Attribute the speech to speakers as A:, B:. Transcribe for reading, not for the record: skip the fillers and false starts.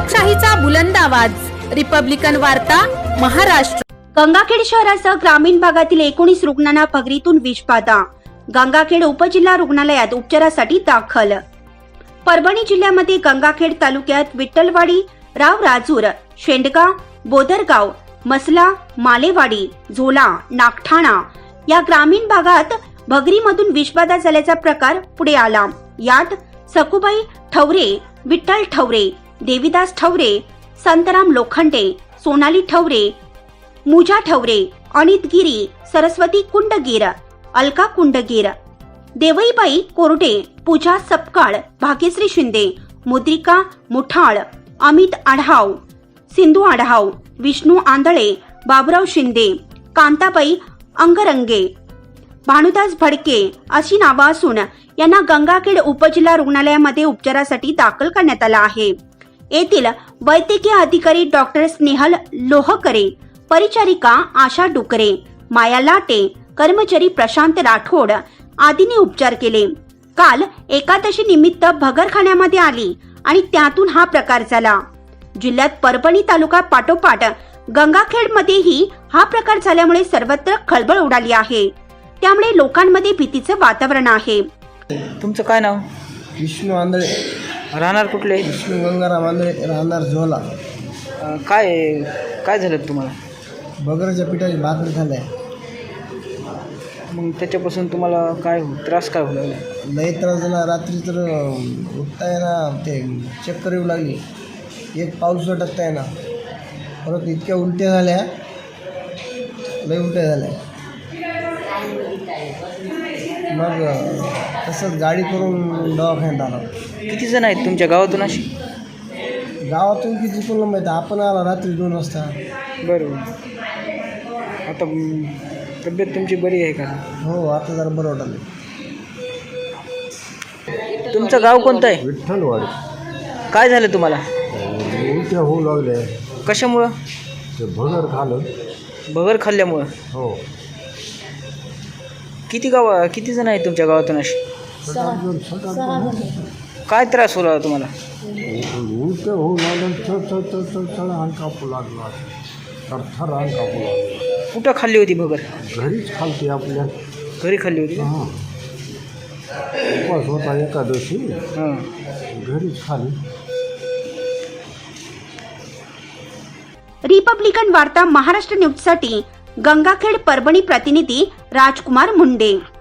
A: लोकशाहीचा बुलंद आवाज, रिपब्लिकन वार्ता, महाराष्ट्र।
B: गंगाखेड शहरासह ग्रामीण भागातील 19 रुग्णांना भगरीतून विषबाधा। गंगाखेड उपजिल्हा रुग्णालयात उपचारासाठी दाखल। परभणी जिल्ह्यामध्ये गंगाखेड तालुक्यात विठ्ठलवाडी, रावराजूर, शेंडगा, बोदरगाव, मसला, मालेवाडी, झोला, नागठाणा या ग्रामीण भागात भगरीमधून विषबाधा झाल्याचा प्रकार पुढे आला। यात सकुबाई ठवरे, विठ्ठल ठवरे, देवीदास ठवरे, संतराम लोखंडे, सोनाली ठवरे, मुजा ठवरे, अनित गिरी, सरस्वती कुंडगीर, अलका कुंडगीर, देवईबाई कोरडे, पूजा सपकाळ, भाग्यश्री शिंदे, मुद्रिका मुठाळ, अमित आढाव, सिंधू आढाव, विष्णू आंधळे, बाबुराव शिंदे, कांताबाई अंगरंगे, भानुदास भडके अशी नावं असून यांना गंगाखेड उपजिल्हा रुग्णालयामध्ये उपचारासाठी दाखल करण्यात आला आहे। येथील वैद्यकीय अधिकारी डॉक्टर स्नेहल लोहकरे, परिचारिका आशा डुकरे, माया लाटे, कर्मचारी प्रशांत राठोड आदींनी उपचार केले। काल एकादशी निमित्त भगरखान्यामध्ये आली आणि त्यातून हा प्रकार झाला। जिल्ह्यात परभणी तालुका पाठोपाठ गंगाखेडमध्येही हा प्रकार झाल्यामुळे सर्वत्र खळबळ उडाली आहे। त्यामुळे लोकांमध्ये भीतीचं वातावरण आहे।
C: तुमचं काय नाव?
D: विष्णू आंधळे,
C: राहणार कुठले?
D: विष्णू गंगाराम आंधळे, राहणार झोला।
C: काय झालं तुम्हाला?
D: बगरच्या पिठाची भाकरी झाल्या।
C: मग त्याच्यापासून तुम्हाला काय त्रास काय होऊ लागला?
D: लई त्रास झाला। रात्री तर उठता येईना, ते चक्कर येऊ लागली, एक पाऊस टाकता येईना, परत इतक्या उलट्या झाल्या, लई उलट्या झाल्या। मग तसंच गाडी करून दवाखान्यात आला।
C: किती जण आहेत तुमच्या गावातून अशी?
D: गावातून किती कोणाला माहिती, आपण आला रात्री 2 वाजता।
C: बरोबर। आता तब्येत तुमची बरी आहे का?
D: हो, आता जरा बरं वाटलं।
C: तुमचं गाव कोणतं आहे?
D: विठ्ठलवाडी।
C: काय झालं तुम्हाला?
D: उलट्या होऊ लागल्या।
C: कशामुळं?
D: ते भगर खाल्लं।
C: भगर खाल्ल्यामुळं?
D: हो।
C: किती जण आहेत तुमच्या गावातून अशी? काय त्रास होला तुम्हाला?
D: उलट्या होऊ लागलं, चढ अंग कापू लागला, थरथर अंग कापू लागला।
C: कुठं खाल्ली होती भगर?
D: घरीच खालते आपल्या।
C: घरी खाल्ली होती?
D: हां, उपवास होता एकादशी,
C: हां,
D: घरीच खाली।
B: रिपब्लिकन वार्ता महाराष्ट्र न्यूजसाठी गंगाखेड परभणी प्रतिनिधी राजकुमार मुंडे।